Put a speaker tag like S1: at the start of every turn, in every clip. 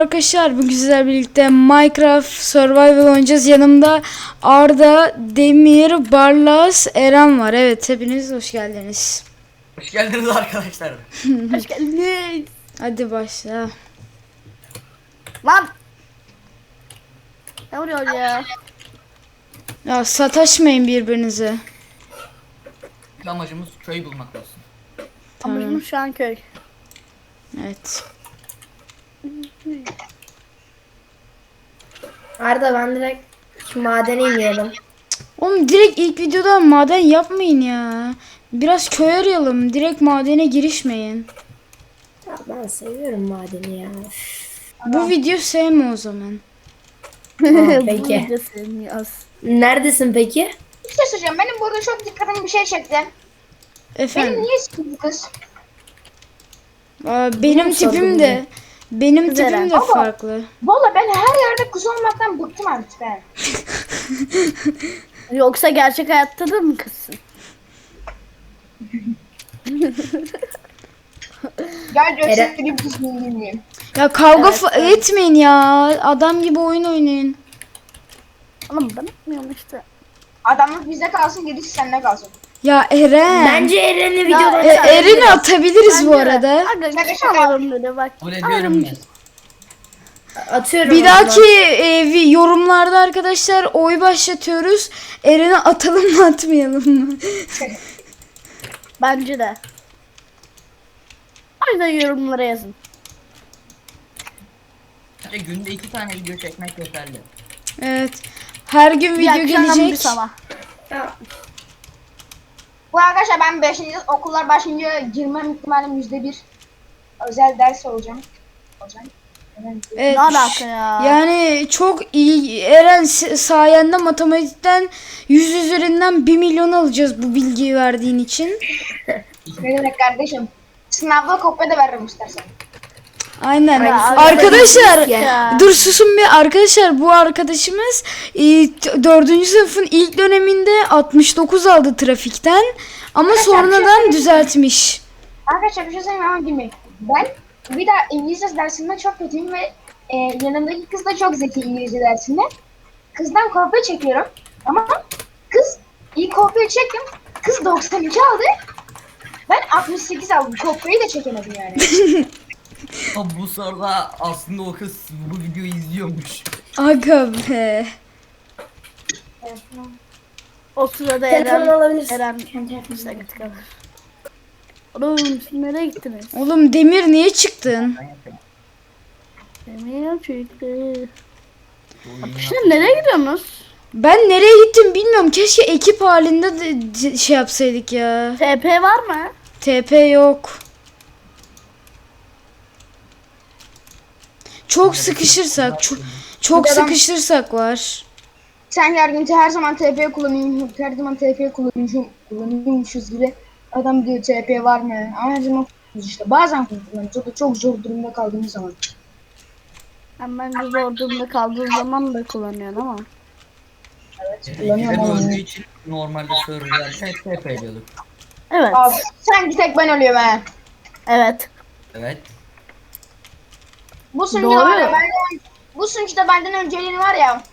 S1: Arkadaşlar bugün sizlerle birlikte Minecraft Survival oynayacağız. Yanımda Arda, Demir, Barlas, Eren var. Evet, hepiniz hoş geldiniz.
S2: Hoş geldiniz arkadaşlar.
S3: Hoş geldiniz.
S1: Hadi başla.
S3: Lan. Ne oluyor ya?
S1: Ya sataşmayın birbirinize.
S2: Amacımız köy bulmak olsun.
S1: Tamam.
S3: Amacımız şu an köy.
S1: Evet.
S4: Arda ben direkt şu madene iniyorum.
S1: Oğlum direkt ilk videoda maden yapmayın ya. Biraz köy arayalım. Direkt madene girişmeyin.
S4: Ya ben seviyorum madeni ya.
S1: Bu video sevme o zaman.
S4: Peki.
S3: Bu da sevmiyoruz.
S4: Neredesin peki?
S5: Bir şey söyleyeceğim. Benim burada çok dikkatimi bir şey çekti. Benim
S1: Efendim.
S5: niye sikildi kız?
S1: Benim tipim de
S3: Eren.
S1: farklı.
S5: Valla ben her yerde kız olmaktan bıktım artık ben.
S3: Yoksa gerçek hayatta da mı kızsın?
S5: Gel
S4: Eren-
S5: göstereyim kız mıyım bilmiyorum.
S1: Ya kavga etmeyin ya. Adam gibi oyun oynayın.
S3: Oğlum ben yapmıyorum işte.
S5: Adamlık bizde kalsın, gerisi sende kalsın.
S1: Ya Eren.
S4: Bence Eren'i videoda
S1: Eren'i atabiliriz bu arada.
S3: Aga çıkamadım böyle bak.
S2: Kabul ediyorum ben.
S4: atıyorum.
S1: Bir
S4: o zaman.
S1: dahaki yorumlarda arkadaşlar oy başlatıyoruz. Eren'i atalım mı atmayalım mı?
S3: Bence de. O yüzden yorumlara yazın.
S2: Bence günde 2 tane video çekmek yeterli.
S1: Evet. Her gün
S3: Bir
S1: video
S3: akşam bir
S1: gelecek.
S3: sabah.
S4: Ya,
S5: Bu arkadaşlar ben 5. okullar başlayınca girmem ihtimalim %1. Özel ders olacağım.
S1: Evet.
S3: Ne alaka ya?
S1: Yani çok iyi. Eren sayende matematikten 100 üzerinden 1 milyon alacağız bu bilgiyi verdiğin için.
S5: Ne demek kardeşim? Sınavda kopya da veririm istersen.
S1: Aynen.
S3: Ya,
S1: Arkadaşlar
S3: ya.
S1: dur susun bir arkadaşlar, bu arkadaşımız 4. sınıfın ilk döneminde 69 aldı trafikten ama sonradan düzeltmiş.
S5: Arkadaşlar bir şey söyleyeyim ama girmeyin. Ben bir daha İngilizce dersinde çok kötüyüm ve yanımdaki kız da çok zeki İngilizce dersinde. Kızdan kopya çekiyorum ama kız iyi kopya çektim. Kız 92 aldı. Ben 68 aldım. Kopyayı da çekemedim yani.
S2: Ama bu sırada aslında o kız bu videoyu izliyormuş.
S1: Aga be.
S3: O sırada
S4: Telefonu alabilirsin.
S3: Eren işte gittik abi. Oğlum siz nereye gittiniz?
S1: Oğlum Demir niye çıktın?
S3: Demir çıktı. Şimdi nereye gidiyorsunuz?
S1: Ben nereye gittim bilmiyorum. Keşke ekip halinde de şey yapsaydık ya.
S3: TP var mı?
S1: TP yok. Çok sıkışırsak, çok sıkışırsak var.
S5: Sen yargıntı her zaman TP kullanıyorsun. Her zaman TP kullanıyormuşuz gibi. Adam diyor TP var mı? Ama her zaman kullanıyoruz işte. Bazen kullanıyoruz. O da çok zor durumda kaldığımız zaman.
S3: Ben de zor durumda kaldığım zaman da kullanıyorum ama.
S5: Kullanıyorum
S2: Ben
S5: ama.
S2: öldüğü için normalde serverlerde hep TP ediyorduk.
S3: Evet.
S5: Abi sanki tek ben ölüyorum he.
S3: Evet.
S2: Evet.
S5: Bu sunucu
S3: Doğru.
S5: var ya bu sunucuda benden önceliğini var ya.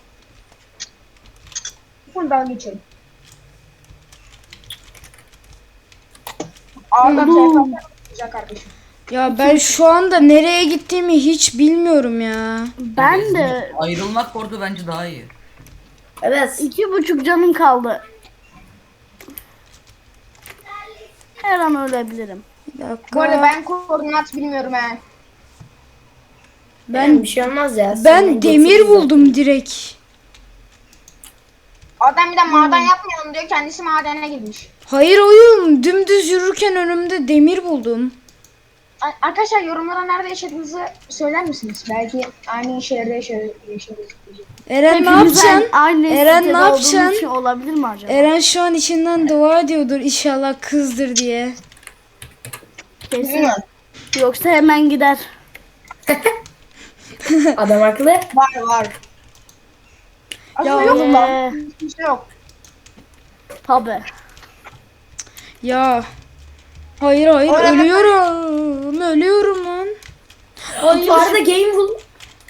S5: Buradan geçelim. Ağdan TP kardeşim.
S1: Ya ben şu anda nereye gittiğimi hiç bilmiyorum ya.
S3: Ben de
S2: Ayrılmak orada bence daha iyi.
S4: Evet.
S3: 2,5 canım kaldı. Her an ölebilirim.
S1: Bir dakika.
S5: Bu arada ben koordinat bilmiyorum he.
S4: Ben bir şey olmaz ya.
S1: Ben
S4: Senin
S1: demir
S4: geçiriz
S1: buldum direkt.
S5: Adam bir de maden yapmayalım diyor, kendisi madene girmiş.
S1: Hayır oyun, dümdüz yürürken önümde demir buldum.
S5: Arkadaşlar yorumlara nerede yaşadığınızı söyler misiniz? Belki aynı şehirde yaşarız.
S1: Eren ne
S3: Hepimiz
S1: yapacaksın?
S3: Aynı
S1: Eren
S3: sitede
S1: ne
S3: olduğumuz
S1: yapacaksın?
S3: için olabilir mi acaba?
S1: Eren şu an içinden dua ediyordur inşallah kızdır diye.
S3: Kesin.
S5: Bilmiyorum.
S3: Yoksa hemen gider.
S4: Adam haklı.
S5: Var.
S1: Ya
S5: Aslında yok
S1: oğlum.
S5: lan. Hiçbir şey yok.
S3: Tabi.
S1: Ya. Hayır
S5: Orada-
S1: ölüyorum lan.
S4: Bu arada game bul.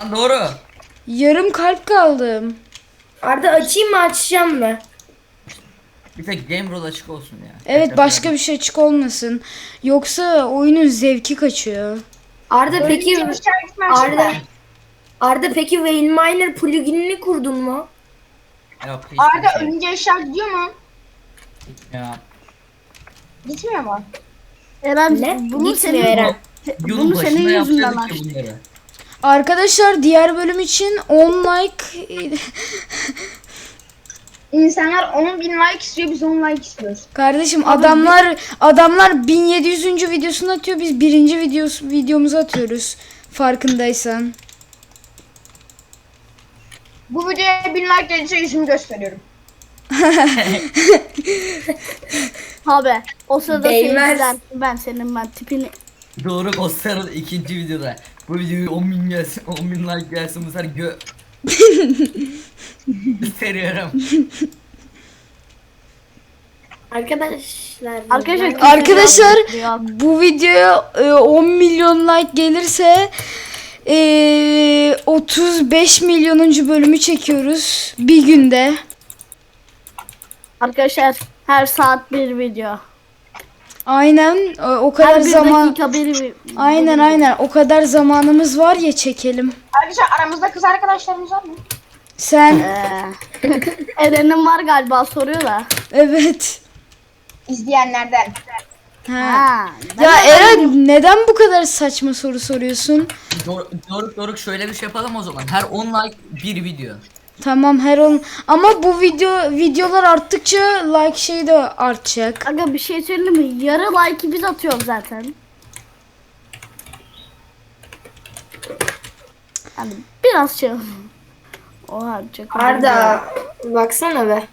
S2: Lan doğru.
S1: Yarım kalp kaldım.
S4: Arda açayım mı açacağım mı?
S2: Bir tek game rule açık olsun ya.
S1: Evet, başka bir şey açık olmasın. Yoksa oyunun zevki kaçıyor.
S4: Arda peki
S5: Öğrenci işaretimi açayım
S4: Arda
S5: mı?
S4: Arda peki Wayne Miner pluginini kurdun mu?
S2: Yok hiçbir
S5: Arda
S2: şey.
S5: ölünce işaret diyor mu?
S2: Ya.
S5: Gitmiyor mu?
S3: Eren
S4: Ne?
S3: bunu
S4: Gitmiyor
S3: senin
S4: Eren.
S2: Yolun
S3: bunu senin
S2: başında
S3: yüzünden
S2: yapıyorduk
S3: açtım.
S2: ki bunları.
S1: Arkadaşlar diğer bölüm için 10 like
S5: İnsanlar 10.000 like istiyor, biz 10 like istiyoruz.
S1: kardeşim, adamlar 1700. videosunu atıyor, biz birinci videomuzu atıyoruz. Farkındaysan.
S5: Bu videoya 1000 like gelirse yüzümü gösteriyorum.
S3: Abi o sırada
S4: Değmez.
S3: seyirciler ben tipini
S2: Doğru Ghostlar'ın ikinci videoda. Bu videoyu 10.000 gelsin, 10.000 like gelsin bu sefer gösteriyorum.
S4: Arkadaşlar.
S1: Arkadaşlar, bu videoya 10 milyon like gelirse 35 milyonuncu bölümü çekiyoruz bir günde.
S3: arkadaşlar her saat bir video.
S1: Aynen, o
S3: Her
S1: kadar
S3: bir
S1: zaman.
S3: dakika bir
S1: Aynen, o kadar zamanımız var ya, çekelim.
S5: Arkadaşlar aramızda kız arkadaşlarımız var mı?
S1: Sen
S3: Eren'in var galiba soruyor da.
S1: evet.
S5: İzleyenlerden.
S1: Ha.
S3: Ha.
S1: Ya Eren, neden bu kadar saçma soru soruyorsun?
S2: Doruk şöyle bir şey yapalım o zaman. Her 10 like bir video.
S1: Tamam, her on, ama bu videolar arttıkça like şeyi de artacak.
S3: Aga bir şey söyleyeyim mi? Yarı like'ı biz atıyoruz zaten. Hani biraz şey. Oha çok.
S4: Arda baksana be.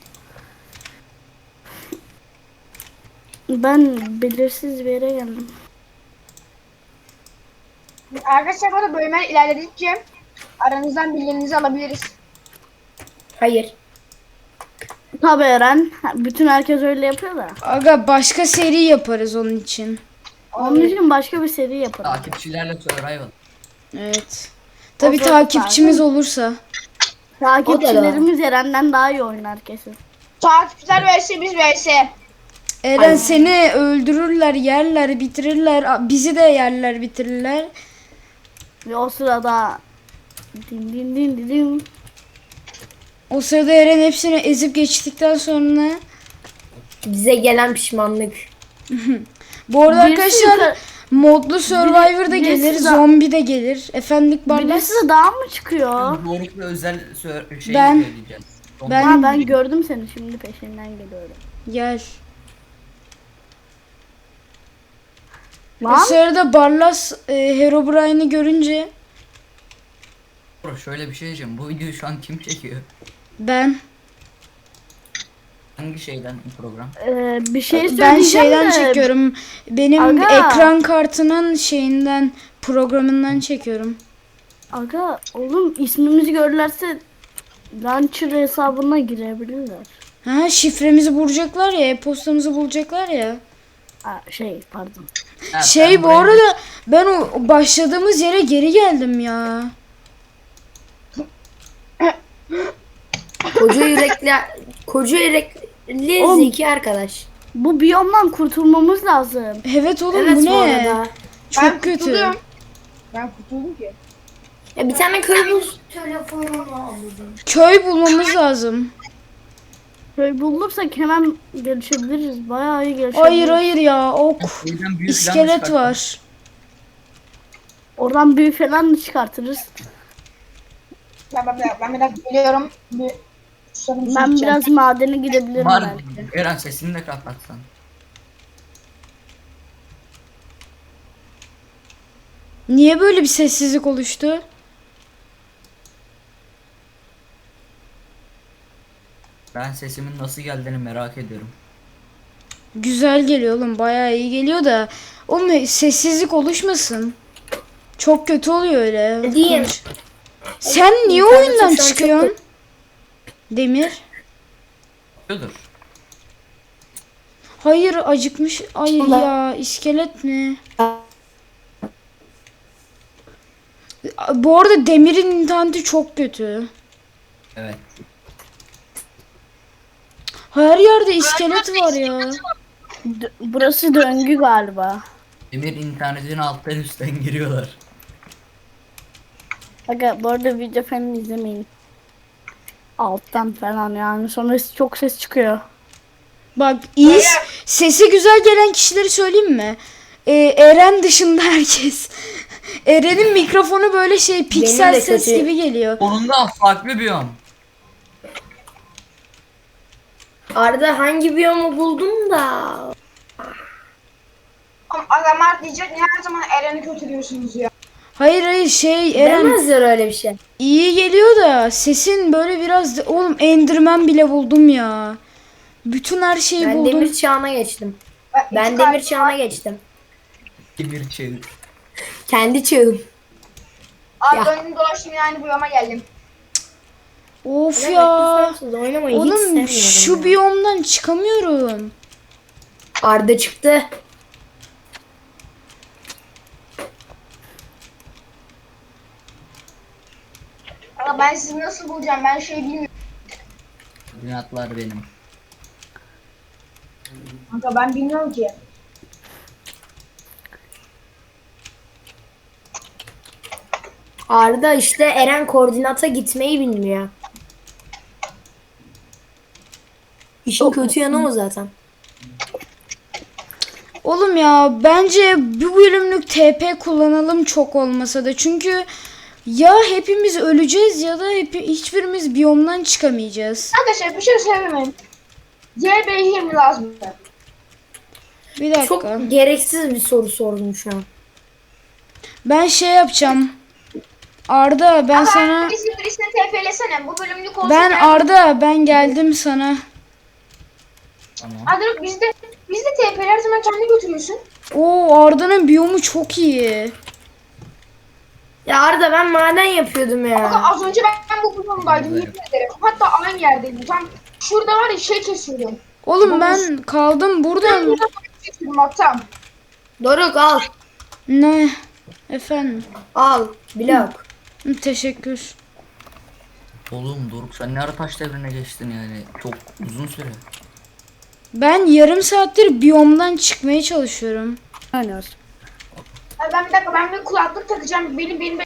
S3: Ben belirsiz bir yere geldim.
S5: Arkadaşlar burada bölümler ilerledikçe aranızdan bilgilerinizi alabiliriz.
S4: Hayır.
S3: Tabii Eren. Bütün herkes öyle yapıyor da.
S1: Aga, başka seri yaparız onun için.
S3: Onun için başka bir seri yaparım.
S2: Takipçilerle survival.
S1: Evet. Tabii
S3: O da
S1: takipçimiz olursa.
S3: Takipçilerimiz Eren'den daha iyi oynar kesin.
S5: Takipçiler vs biz vs.
S1: Eren, seni öldürürler, yerler, bitirirler. Bizi de yerler, bitirirler.
S3: Ve o sırada din din din din din.
S1: O sırada Eren hepsini ezip geçtikten sonra.
S4: Bize gelen pişmanlık.
S1: Bu arada
S3: Birisi
S1: arkadaşlar,
S3: yukarı-
S1: modlu Survivor da
S3: birisi
S1: gelir,
S3: de-
S1: zombi de gelir. Efendik Barlas.
S3: Birisi de daha mı çıkıyor?
S2: Doruk'la özel şey
S1: Ben-
S2: söyleyeceğiz.
S1: ben-
S3: Ha, ben gördüm seni şimdi peşinden geliyorum.
S1: Gel. O
S3: Lan
S1: sırada Barlas Herobrine'i görünce
S2: Doruk, şöyle bir şey diyeceğim. Bu videoyu şu an kim çekiyor?
S1: ben
S2: Hangi şeyden program?
S3: bir şey
S1: ben
S3: söyleyeceğim
S1: şeyden
S3: de,
S1: çekiyorum. Benim
S3: Aga.
S1: ekran kartının şeyinden, programından çekiyorum.
S3: Aga oğlum ismimizi görürlerse Launcher hesabına girebilirler.
S1: Ha, şifremizi bulacaklar ya, e-postamızı bulacaklar ya.
S3: Ha, pardon.
S2: Ha,
S1: Şey,
S2: ben
S1: bu
S2: buraya-
S1: arada ben o başladığımız yere geri geldim ya.
S4: Koca yürekli
S3: Oğlum.
S4: zeki arkadaş.
S3: Bu biyomdan kurtulmamız lazım.
S1: Evet oğlum,
S4: Evet
S1: bu
S4: bu
S1: ne?
S4: arada.
S1: Çok
S5: Ben
S1: kötü.
S5: kurtuldum. Ben kurtuldum ki.
S4: Ya bir tane köy bul.
S1: Köy bulmamız lazım.
S3: Böyle bulursak hemen gelişebiliriz. Bayağı iyi gelişebiliriz.
S1: Hayır ya, ok.
S2: Birden büyük plan
S1: İskelet
S2: çıkarttım.
S1: var.
S3: Oradan büyü falan da çıkartırız.
S5: Ben bir dakika geliyorum. Bir susadım, su
S3: Ben
S5: içeceğim.
S3: biraz madene gidebilirim
S2: Var.
S3: belki.
S2: Eren sesini de kapatsan.
S1: Niye böyle bir sessizlik oluştu?
S2: Ben sesimin nasıl geldiğini merak ediyorum.
S1: Güzel geliyor oğlum, bayağı iyi geliyor da. Oğlum, sessizlik oluşmasın. Çok kötü oluyor öyle.
S4: Diyeyim.
S1: Sen niye
S4: İnternet
S1: oyundan
S4: şu an çok
S1: çıkıyorsun? Demir.
S2: Dur.
S1: Hayır, acıkmış. Ay ya, iskelet ne? Bu arada Demir'in interneti çok kötü.
S2: Evet.
S1: Her yerde iskelet var ya.
S3: Burası döngü galiba.
S2: Demir internetin alttan üstten giriyorlar.
S3: Aga bu arada video falan izlemeyin. Alttan falan yani. Sonra çok ses çıkıyor.
S1: Bak iyi sesi güzel gelen kişileri söyleyeyim mi? Eren dışında herkes. Eren'in mikrofonu böyle şey piksel
S4: de
S1: ses
S4: kötü.
S1: gibi geliyor.
S2: Onun da farklı biyom.
S4: Arda hangi biyomu buldun da?
S5: Ama adamlar diyecek niye her zaman Eren'i kötülüyorsunuz ya.
S1: Hayır şey Eren
S4: Demezler öyle bir şey.
S1: iyi geliyor da sesin böyle biraz oğlum Enderman bile buldum ya. Bütün her şeyi
S4: Ben
S1: buldum.
S4: demir çağına geçtim. Ben
S5: İki
S4: demir
S5: kalp
S4: çağına
S5: var.
S4: geçtim.
S2: Demir çevir.
S4: Kendi çağım.
S5: Abi
S4: Ya.
S5: döndüm dolaştım yani bu yama geldim.
S1: Of ya.
S4: Oynamayı hiç
S1: Oğlum
S4: sevmiyorum.
S1: şu
S4: ya.
S1: biyomdan çıkamıyorum.
S4: Arda çıktı.
S5: Ama ben sizi nasıl bulacağım ben şey bilmiyorum.
S2: Koordinatlar benim.
S5: Kanka ben bilmiyorum ki.
S4: Arda işte Eren koordinata gitmeyi bilmiyor. İşin kötü yanı o zaten.
S1: Oğlum ya bence bu bölümlük TP kullanalım çok olmasa da çünkü ya hepimiz öleceğiz ya da hiçbirimiz biyomdan çıkamayacağız.
S5: Arkadaşlar bir şey söyleyeyim. CB20 lazım.
S1: Bir dakika.
S4: Çok gereksiz bir soru sordum şu an.
S1: Ben şey yapacağım. Arda ben sana
S5: Birisini TP'lesene bu bölümlük olsun.
S1: ben Arda ben geldim sana.
S2: Tamam.
S5: Adırık bizde TP'ler her zaman kendi götürüyorsun.
S1: Oo Arda'nın biyomu çok iyi.
S4: Ya Arda ben maden yapıyordum
S5: Bak
S4: ya.
S5: az önce ben bu bölümdaydım yemin ederim. Hatta aynı yerdeydim. Tam şurada var ya şey kesiyordum.
S1: Oğlum ben kaldım burada.
S5: Bak tam.
S4: Doruk al.
S1: Ne? Efendim.
S4: Al. Blok.
S1: Teşekkür.
S2: Oğlum Doruk sen ne ara taş devrine geçtin yani? Çok uzun süre.
S1: Ben yarım saattir biyomdan çıkmaya çalışıyorum.
S3: Oynuyoruz.
S5: Ay ben bir dakika ben bir kulaklık takacağım. Benim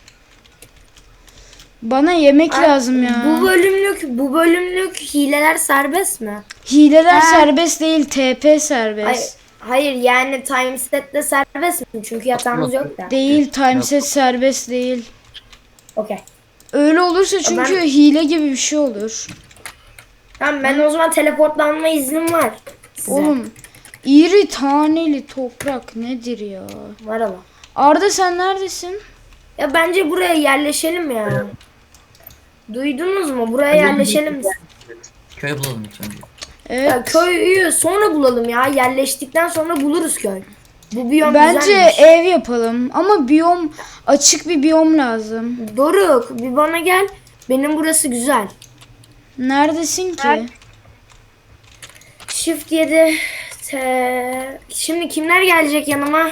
S1: Bana yemek lazım ya.
S4: Bu bölümlük hileler serbest mi?
S1: Hileler serbest değil, TP
S4: Hayır,
S1: serbest.
S4: hayır yani timeset'te serbest mi? Çünkü yatağımız yok da.
S1: Değil, timeset serbest değil.
S4: Okey.
S1: Öyle olursa çünkü hile gibi bir şey olur.
S4: Tamam ben o zaman teleportlanma iznim var. Size.
S1: Oğlum, iri taneli toprak nedir ya?
S4: Var ama.
S1: Arda sen neredesin?
S4: Ya bence buraya yerleşelim ya. Duydunuz mu? Buraya yerleşelim.
S2: Köy bulalım ilk önce.
S1: Evet.
S4: Ya köyü sonra bulalım ya. Yerleştikten sonra buluruz köy. Bu biyom
S1: Bence
S4: güzelmiş.
S1: ev yapalım ama biyom açık bir biyom lazım.
S4: Doruk bir bana gel. Benim burası güzel.
S1: Neredesin ki?
S4: Shift 7. Şimdi kimler gelecek yanıma?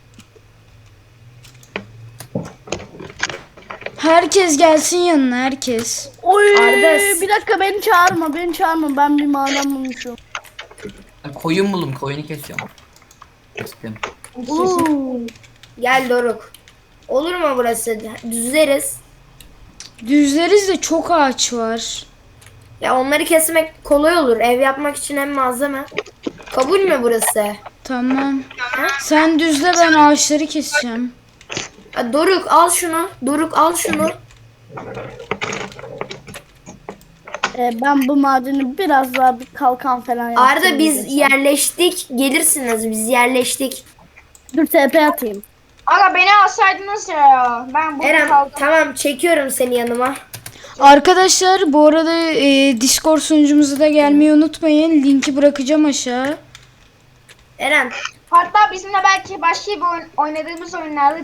S1: Herkes gelsin yanına herkes.
S3: Oy
S4: Arda-
S3: bir dakika beni çağırma ben bir maden bulmuşum.
S2: Ben koyun buldum koyunu kesiyorum. Kestim.
S4: Gel Doruk. Olur mu burası? Düzleriz.
S1: Düzleriz de çok ağaç var.
S4: Ya onları kesmek kolay olur. Ev yapmak için hem malzeme. Kabul mü burası?
S1: Tamam. Sen düzle ben ağaçları keseceğim.
S4: Ya Doruk al şunu. Doruk al şunu.
S3: Ben bu madeni biraz daha bir kalkan falan yaptım.
S4: Arda biz yerleştik. Gelirsiniz. Biz yerleştik.
S3: Dur TP atayım.
S5: Aga beni alsaydınız ya. Ben burada
S4: Eren
S5: kaldım.
S4: tamam çekiyorum seni yanıma.
S1: Arkadaşlar bu arada Discord sunucumuza da gelmeyi unutmayın. Linki bırakacağım aşağı.
S4: Eren
S5: Hatta bizimle belki başka bir oynadığımız oyunlarda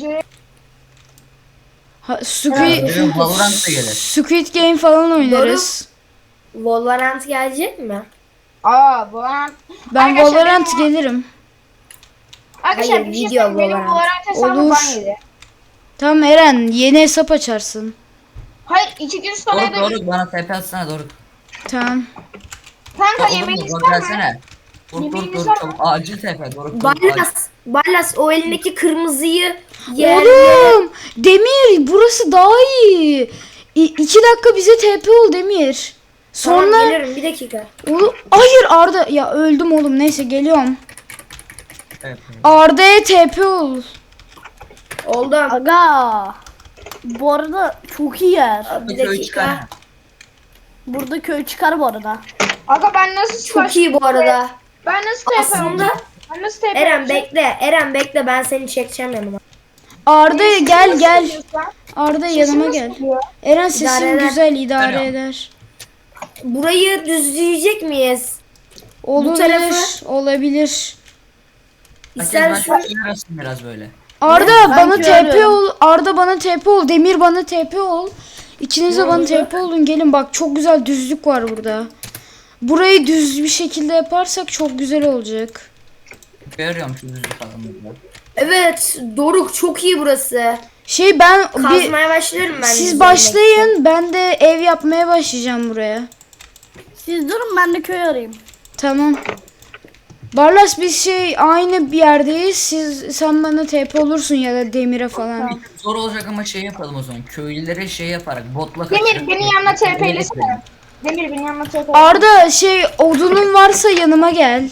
S2: Benim Valorant da gelir.
S1: Squid Game falan oynarız.
S4: Valorant gelecek mi?
S5: bu an.
S1: Ben
S5: Arkadaşlar,
S1: Valorant
S5: benim-
S1: gelirim.
S5: Arkadaşlar
S4: Hayır,
S5: bir şey
S4: video
S5: söyleyeyim. Benim
S4: Valorant.
S5: Valorant hesabım
S1: Olur.
S5: ban yedi.
S1: Tamam Eren, yeni hesap açarsın.
S5: Hayır 2 gün sonra
S2: Doruk
S5: da
S2: Doruk bana TP atsana Doruk.
S1: Tamam.
S5: kanka
S2: Olur mu?
S5: yemeğiniz
S2: Doruk
S5: var mı?
S2: gelsene. Doruk Doruk
S5: Yemeğiniz
S2: Doruk
S5: var
S2: çabuk acil TP Doruk Doruk acil.
S4: Barlas o elindeki kırmızıyı yer.
S1: Oğlum Demir, burası daha iyi. 2 dakika bize TP ol Demir.
S4: Sonra
S1: Sonra
S4: gelirim bir dakika.
S1: oğlum, hayır Arda, ya öldüm oğlum, neyse geliyorum.
S2: Evet.
S1: Arda'ya TP ol.
S4: Oldu.
S3: Aga. Bu arada çok iyi yer.
S4: Bir
S2: Köy çıkar.
S4: dakika.
S3: Burada köy çıkar bu arada.
S5: Aga ben nasıl
S4: Çok iyi bu arada.
S5: Ben nasıl TP
S4: Aslında
S5: Ben nasıl TP
S4: Eren bekle. Eren bekle ben seni çekeceğim yanıma.
S1: Arda gel. Arda yanıma gel.
S5: Geliyor.
S1: Eren sesin
S4: İdare eder.
S1: güzel, idare
S2: Tamam.
S1: eder.
S4: Burayı düzleyecek miyiz?
S1: Olabilir,
S4: tarafı-
S1: olabilir.
S2: Herkes
S4: İstersen
S2: ben arasın biraz böyle.
S1: Arda
S3: Ben
S1: bana TP
S3: görüyorum.
S1: ol. Arda bana TP ol. Demir bana TP ol. İkiniz de bana TP olun. Gelin bak, çok güzel düzlük var burada. Burayı düz bir şekilde yaparsak çok güzel olacak.
S2: Görüyorum şu düzlük falan burada.
S4: evet Doruk çok iyi burası.
S1: Ben
S4: Kazmaya başlarım ben.
S1: siz
S4: düzlemek
S1: başlayın. Ben de ev yapmaya başlayacağım buraya.
S3: Siz durun ben de köy arayayım.
S1: Tamam. Barlas biz aynı bir yerdeyiz. Sen bana TP olursun ya da Demir'e falan.
S3: Tamam.
S2: Zor olacak ama şey yapalım o zaman. Köylülere şey yaparak botla
S5: Demir
S2: kaçırıp-
S5: beni yanına TP'lesene. Demir beni yanına TP'lesene.
S1: Arda odunun varsa yanıma gel.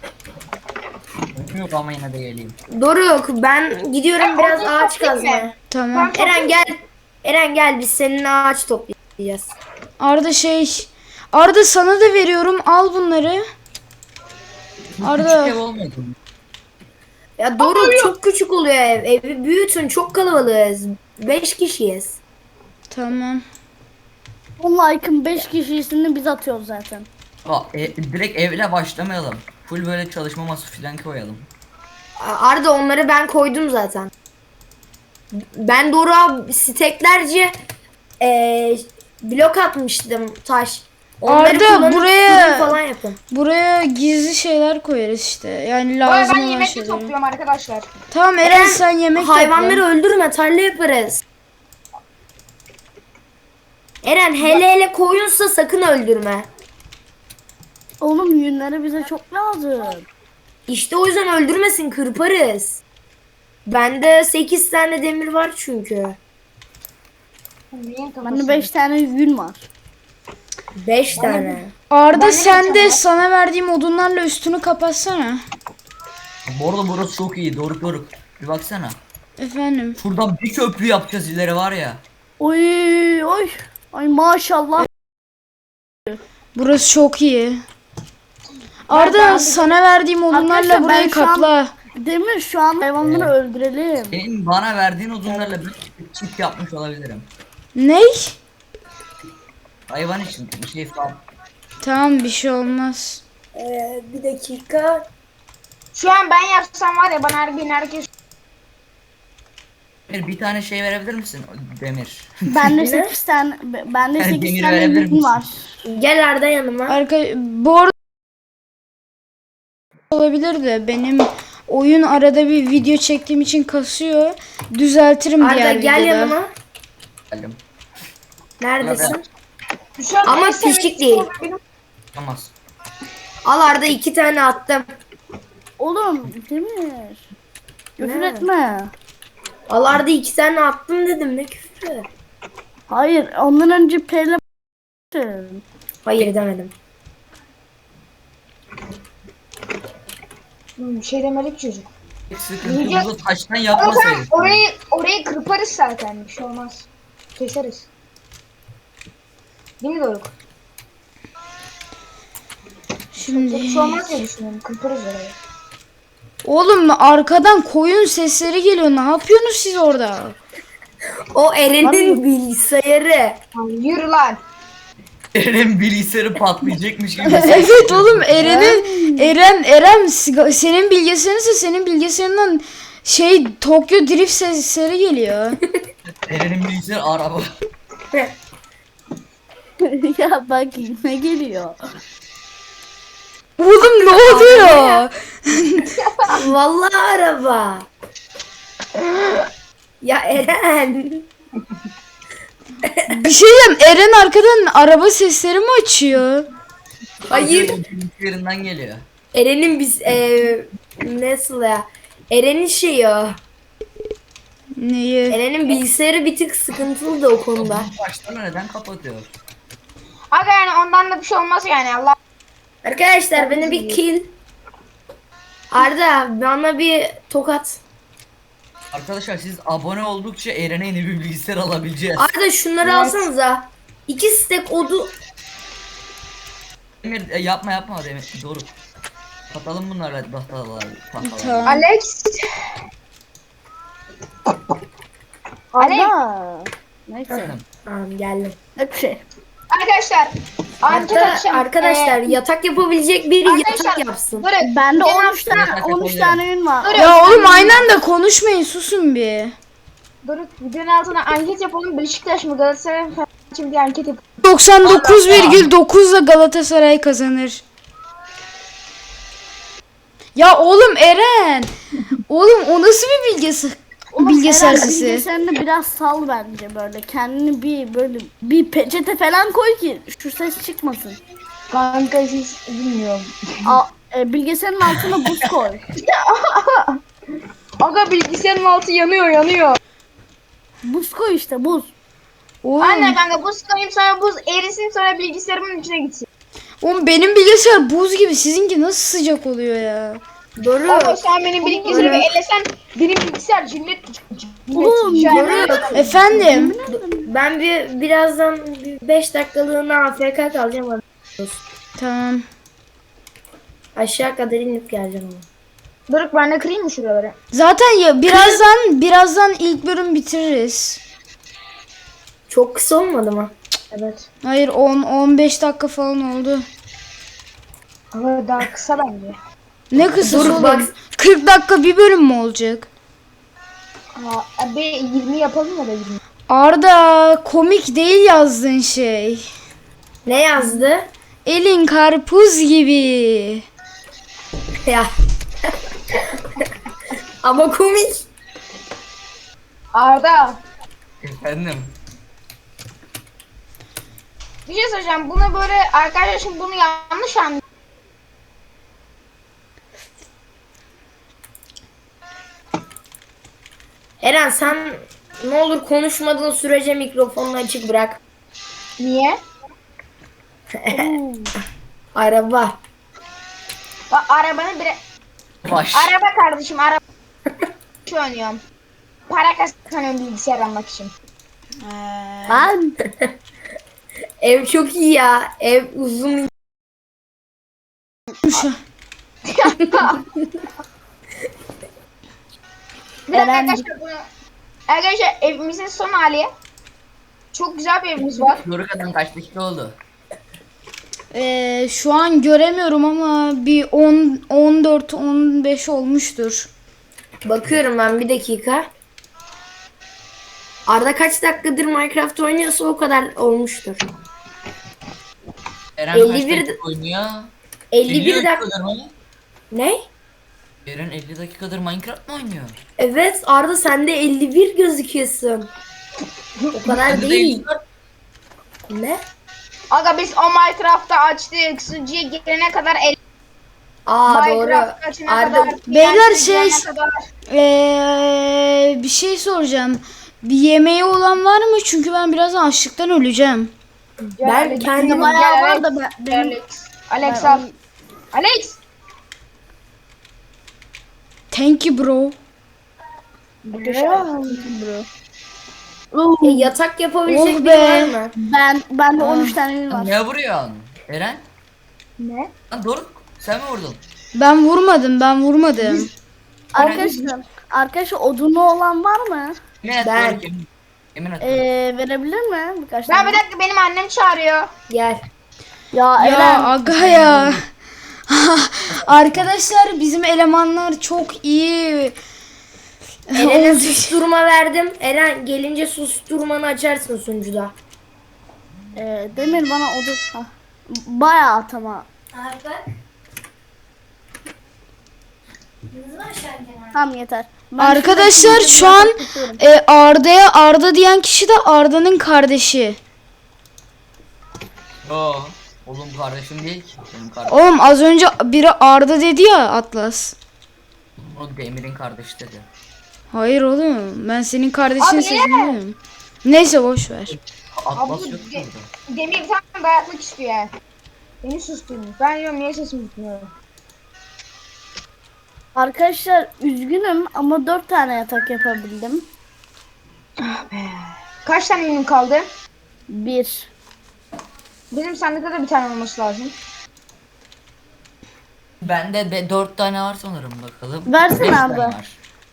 S2: Yok ama yine de geleyim.
S4: Doruk ben gidiyorum biraz
S5: odun
S4: ağaç
S5: toplayayım mı?
S4: kazmaya.
S1: Tamam.
S4: Eren gel. Eren gel biz seninle ağaç toplayacağız.
S1: Arda Arda sana da veriyorum. Al bunları. Arda.
S2: Küçük ev olmadı mı?
S4: Ya Doruk çok küçük oluyor ev. Evi büyütün çok kalabalığız. 5 kişiyiz.
S1: Tamam.
S3: Onun like'ın 5 kişisini biz atıyoruz zaten.
S2: Direkt evle başlamayalım. Full böyle çalışma masası falan koyalım.
S4: Arda onları ben koydum zaten. Ben Doruk'a steklerce blok atmıştım taş. Onları
S1: Arda,
S4: kullanıp
S1: buraya-
S4: fırın falan yapın.
S1: Buraya gizli şeyler koyarız işte. Yani
S5: Bu arada
S1: lazım
S5: ben
S1: olan
S5: yemek de
S1: şeyleri.
S5: topluyorum arkadaşlar.
S1: Tamam Eren, sen yemek
S4: Hayvanları
S1: topla.
S4: öldürme tarla yaparız. Eren hele koyunsa sakın öldürme.
S3: Oğlum yünleri bize çok lazım.
S4: İşte o yüzden öldürmesin kırparız. Bende 8 tane demir var çünkü.
S5: Neyin kafası?
S3: Bende 5 tane yün var.
S4: 5 tane.
S1: Arda
S5: Ben
S1: sen
S5: yemek
S1: de
S5: yemem.
S1: sana verdiğim odunlarla üstünü kapatsana.
S2: Bu arada burası çok iyi. Doruk. Bir baksana.
S1: Efendim.
S2: Şuradan bir köprü yapacağız ileri var ya.
S3: Oy oy. Ay maşallah.
S1: Burası çok iyi. Arda sana verdiğim odunlarla
S3: Arkadaşlar,
S1: burayı
S3: ben şu an-
S1: kapla.
S3: Demir şu an hayvanları öldürelim.
S2: Senin bana verdiğin odunlarla bir çift yapmış olabilirim.
S1: Ney?
S2: Hayvan için bir şey falan.
S1: Tamam, bir şey olmaz.
S4: Bir dakika.
S5: Şu an ben yapsam var ya bana herkes
S2: Bir tane şey verebilir misin? Demir.
S3: Bende 8 tane bende
S2: Yani
S3: 8
S2: demir
S3: tane
S2: verebilir
S3: yün
S2: misin?
S3: var.
S4: Gel Arda yanıma.
S1: Bu arada olabilir de benim oyun arada bir video çektiğim için kasıyor. Düzeltirim
S4: Arda
S1: diğer
S4: gel
S1: videoda.
S4: yanıma.
S2: Geldim.
S4: Neredesin?
S5: Şu an
S4: Ama
S5: en sevdiğim
S4: küçük
S5: şey
S4: değil.
S5: benim-
S2: Tamaz.
S4: Al Arda 2 tane attım.
S3: Oğlum Demir. Küfür
S4: Ne?
S3: etme.
S4: Al Arda 2 tane attım dedim ne küfrü.
S3: Hayır ondan önce P'le
S4: Hayır demedim.
S5: Bir şey demedik çocuk.
S2: Sıkıntımızı taştan
S5: Ama sen
S2: yapmasaydık.
S5: orayı kırparız zaten, bir şey olmaz. Keseriz. Değil mi Doruk?
S1: Şimdi
S5: Bir şey olmaz diye düşünüyorum. Kırparız orayı.
S1: oğlum, arkadan koyun sesleri geliyor. Ne yapıyorsunuz siz orada?
S4: O Eren'in bilgisayarı.
S5: Lan yürü lan.
S2: Eren'in bilgisayarı patlayacakmış gibi.
S1: Evet oğlum, Eren senin bilgisayarınsa senin bilgisayarından Tokyo Drift sesleri geliyor.
S2: Eren'in bilgisayarı araba.
S3: ya bak ne geliyor.
S1: Oğlum ne oluyor?
S4: Vallahi araba. Ya Eren.
S1: Bir şey diyeyim, Eren arkadan araba sesleri mi açıyor?
S4: Hayır.
S2: Bilgisayarından geliyor.
S4: Eren'in biz nasıl ya? Eren'in şeyi o.
S1: Neyi?
S4: Eren'in bilgisayarı bir tık sıkıntılı da o konuda.
S2: Baştan neden kapatıyor?
S5: Aga yani ondan da bir şey olmaz yani Allah.
S4: Arkadaşlar beni bir kill. Arda bana bir tokat.
S2: Arkadaşlar siz abone oldukça Eren'e yeni bir bilgisayar alabileceğiz.
S4: Arda şunları alsanıza. 2 stack odu.
S2: Demir yapma Demir. Doğru. Kapatalım bunlarla tahtaları.
S1: Tamam.
S5: Alex. Alex.
S3: Arda. Neyse.
S4: Tamam geldim.
S3: Ne bir şey.
S5: Arkadaşlar.
S4: Hatta arkadaşlar yatak yapabilecek biri yatak
S5: arkadaşlar,
S4: yapsın.
S5: Durun.
S3: Bende
S5: Geçen
S3: 13
S5: hafta-
S3: tane 13 tane ün var.
S5: Durun.
S1: Ya oğlum aynı anda konuşmayın, susun bir.
S5: Durun. Videonun altına anket yapalım. Beşiktaş mı Galatasaray mı? Şimdi anket yapalım.
S1: 99,9'la Galatasaray kazanır. Ya oğlum Eren. Oğlum o nasıl bir bilgisayar
S3: Eren,
S1: sesi?
S3: bilgisayarını biraz sal bence böyle. Kendini bir böyle bir peçete falan koy ki şu ses çıkmasın.
S5: Kanka siz bilmiyorum.
S3: Bilgisayarın altına buz koy.
S5: Aga bilgisayarın altı yanıyor.
S3: Buz koy işte buz.
S1: Oğlum,
S5: Anne kanka buz koyayım sonra buz erisin sonra bilgisayarımın içine gitsin.
S1: oğlum benim bilgisayar buz gibi, sizinki nasıl sıcak oluyor ya?
S4: Doğru.
S5: Ama sen benim bilgisayarımı ellesen benim bilgisayar cinnet.
S3: Oğlum,
S5: Cinnet.
S1: Efendim?
S4: Ben birazdan 5 dakikalığına AFK kalacağım.
S1: Tamam.
S4: Aşağı kadar inip geleceğim ama.
S5: Doruk ben de kırayım mı şuraları?
S1: Zaten ya birazdan ilk bölüm bitiririz.
S4: Çok kısa olmadı mı?
S5: Evet.
S1: Hayır 15 dakika falan oldu.
S5: Ama daha kısa bence.
S1: Ne kısa
S4: Dur,
S1: oğlum?
S4: bak.
S1: 40 dakika bir bölüm mü olacak?
S5: Abi 20 yapalım ya da 20.
S1: Arda, komik değil yazdığın şey.
S4: Ne yazdı?
S1: Elin karpuz gibi.
S4: Ya. Ama komik.
S5: Arda
S2: Efendim.
S5: bir şey söyleyeceğim. Bunu böyle arkadaşlar şimdi bunu yanlış anlıyor.
S4: Eren sen ne olur konuşmadığın sürece mikrofonunu açık bırak.
S5: Niye?
S4: Araba.
S5: Bak arabanı bire...
S2: Baş.
S5: Araba kardeşim araba. Şu oynuyorum. Para kazanıyorum bilgisayar almak için.
S3: Ben
S4: Ev çok iyi ya. Ev uzun.
S5: Bir dakika
S3: Eren-
S5: arkadaşlar bunu... Arkadaşlar evimizin son hali. Çok güzel bir evimiz var.
S2: Doruk adam kaç dakika oldu?
S1: Şu an göremiyorum ama bir 14-15 olmuştur.
S4: Bakıyorum ben bir dakika. Arda kaç dakikadır Minecraft oynuyorsa o kadar olmuştur.
S2: Eren
S4: 51
S2: kaç dakika oynuyor?
S4: 51 dakika.
S2: dakikadır mı?
S4: Ne?
S2: Eren 50 dakikadır Minecraft mı oynuyor?
S4: Evet Arda sen de 51 gözüküyorsun. O kadar
S2: Bende de
S4: değil.
S2: 54.
S4: Ne?
S5: Aga biz o Minecraft'ta açtık. Sucuya gelene kadar
S4: Aa doğru.
S5: Minecraft açana
S4: Arda
S5: kadar.
S1: Beyler
S5: TNT
S1: şey-
S5: gelene kadar.
S1: Bir şey soracağım. Bir yemeği olan var mı? Çünkü ben birazdan açlıktan öleceğim.
S4: ben
S5: Gel,
S4: kendim
S5: gel,
S3: bayağı
S5: gel,
S3: var da benim
S5: Alex. Alex al. Alex.
S1: Thank you bro.
S4: yatak yapabilecek
S1: Oh
S4: biri
S1: be.
S4: var mı?
S3: Ben de 13 tane ün var.
S2: Ne vuruyorsun? Eren?
S5: Ne?
S2: Lan Doruk sen mi vurdun?
S1: Ben vurmadım.
S3: Arkadaşlar odunu olan var mı?
S2: Yemin et
S4: Ben-
S2: Doruk yemin. Yemin et.
S3: Verebilir mi birkaç
S5: Ya
S3: tane?
S5: bir dakika benim annem çağırıyor.
S4: Gel.
S3: Ya
S1: Ya
S3: Eren
S1: aga ya. Arkadaşlar bizim elemanlar çok iyi.
S4: Eren'e susturma verdim. Eren gelince susturmanı açarsın sunucuda.
S3: Demir bana odun. Hah. Bayağı at ama. Tamam yeter. Ben
S1: Arkadaşlar
S3: şuradaki
S1: şu an
S3: yatak tutuyorum.
S1: Arda'ya Arda diyen kişi de Arda'nın kardeşi.
S2: Yo. Oğlum kardeşim değil ki. Benim kardeşim.
S1: Oğlum az önce biri Arda dedi ya Atlas.
S2: O Demir'in kardeşi dedi.
S1: Hayır oğlum ben senin kardeşin
S5: Abi,
S1: sesini duyuyorum. Neyse boş ver.
S2: Atlas
S5: Abi,
S2: yok mu burada?
S5: Demir bir tane dayatmak istiyor yani. Beni susturmuş. Ben diyorum niye sesimi tutmuyorum.
S3: Arkadaşlar üzgünüm ama 4 tane yatak yapabildim.
S5: Kaç tane ürün kaldı?
S3: 1.
S5: Benim sandıkta da bir tane olması lazım.
S2: Bende 4 tane var sanırım bakalım.
S3: Versene
S2: 5 tane
S3: abi.
S2: var.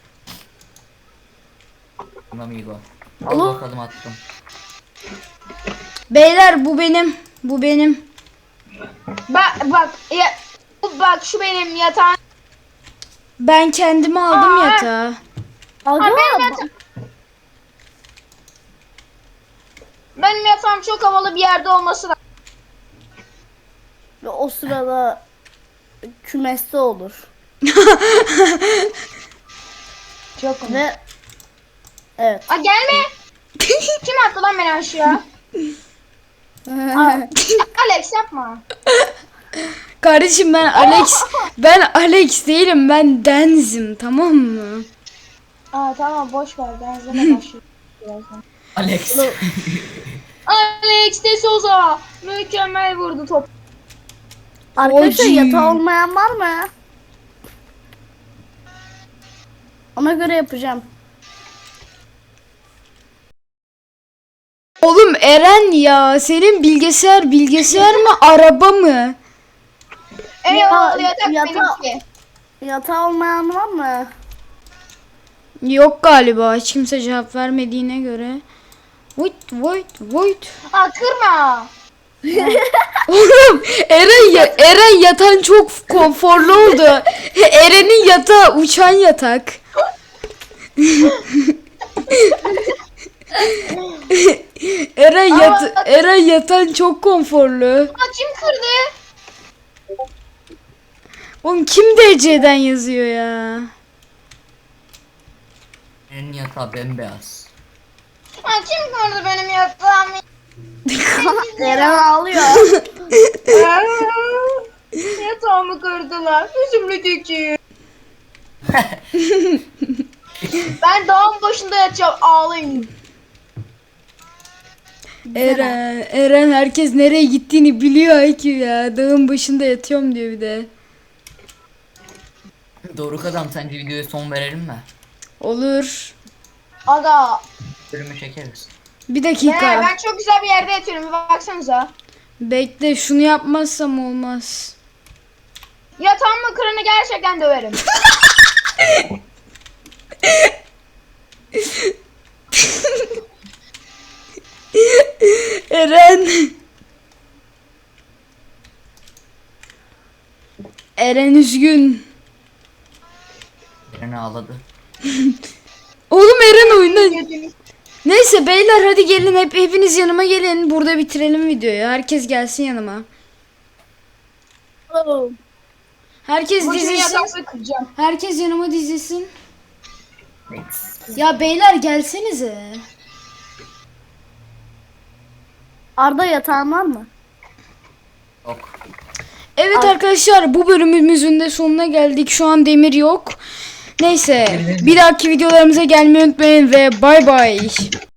S2: Amigo. Al
S3: Oğlum.
S2: bakalım attım.
S1: Beyler bu benim. Bu benim.
S5: Bak ya, bak şu benim yatağım.
S1: Ben kendime aldım
S5: Aa.
S1: yatağı.
S3: Aga
S5: Benim yatağım çok havalı bir yerde olması lazım.
S3: ve o sırada kümeste olur.
S5: Çok komik.
S3: Ve evet.
S5: Aa gelme. Kim attı lan beni aşağı? Alex yapma.
S1: Kardeşim ben Alex değilim, ben Denz'im, tamam mı?
S5: Aa tamam boş ver. Ben izleme başlıyorum birazdan.
S2: Alex.
S5: Alex de Souza mükemmel vurdu top.
S3: Arkadaşlar
S1: Oci.
S3: yatağı olmayan var mı? Ona göre yapacağım.
S1: Oğlum Eren ya, senin bilgisayar mı araba mı?
S5: Eyvallah yatak
S3: yatağı-
S5: benimki.
S3: Yatağı olmayan var mı?
S1: Yok galiba, hiç kimse cevap vermediğine göre. Wait.
S5: Aa kırma.
S1: Oğlum Eren yatan çok konforlu oldu. Eren'in yatağı uçan yatak. Eren yatan çok konforlu.
S5: Aa kim kırdı?
S1: Oğlum kim DC'den yazıyor ya?
S2: Senin yatağı bembeyaz.
S5: Aa kim kırdı benim yatağımı?
S3: Eren ağlıyor.
S5: Yatağımı kırdılar. Üzümlü tükü. Ben dağın başında yatacağım. Ağlayın.
S1: Eren herkes nereye gittiğini biliyor ki ya. Dağın başında yatıyorum diyor bir de.
S2: Doruk adam, sence videoya son verelim mi?
S1: Olur.
S5: Aga.
S2: Bölümü çekeriz.
S1: Bir dakika.
S5: Ben çok güzel bir yerde yatıyorum. Bir baksanıza.
S1: Bekle, şunu yapmazsam olmaz.
S5: Yatağımı kırını gerçekten döverim.
S1: Eren. Eren üzgün.
S2: Eren ağladı.
S1: Oğlum Eren oyundan. Neyse beyler hadi gelin, hepiniz yanıma gelin. Burada bitirelim videoyu. Herkes gelsin yanıma. Herkes
S5: Bu
S1: dizilsin.
S5: yatağımı kıracağım.
S1: Herkes yanıma dizilsin.
S2: Next.
S1: Ya beyler gelsenize.
S3: Arda yatağın var mı?
S2: Yok.
S1: Evet arkadaşlar, bu bölümümüzün de sonuna geldik. Şu an Demir yok. Neyse, bir dahaki videolarımıza gelmeyi unutmayın ve bay bay.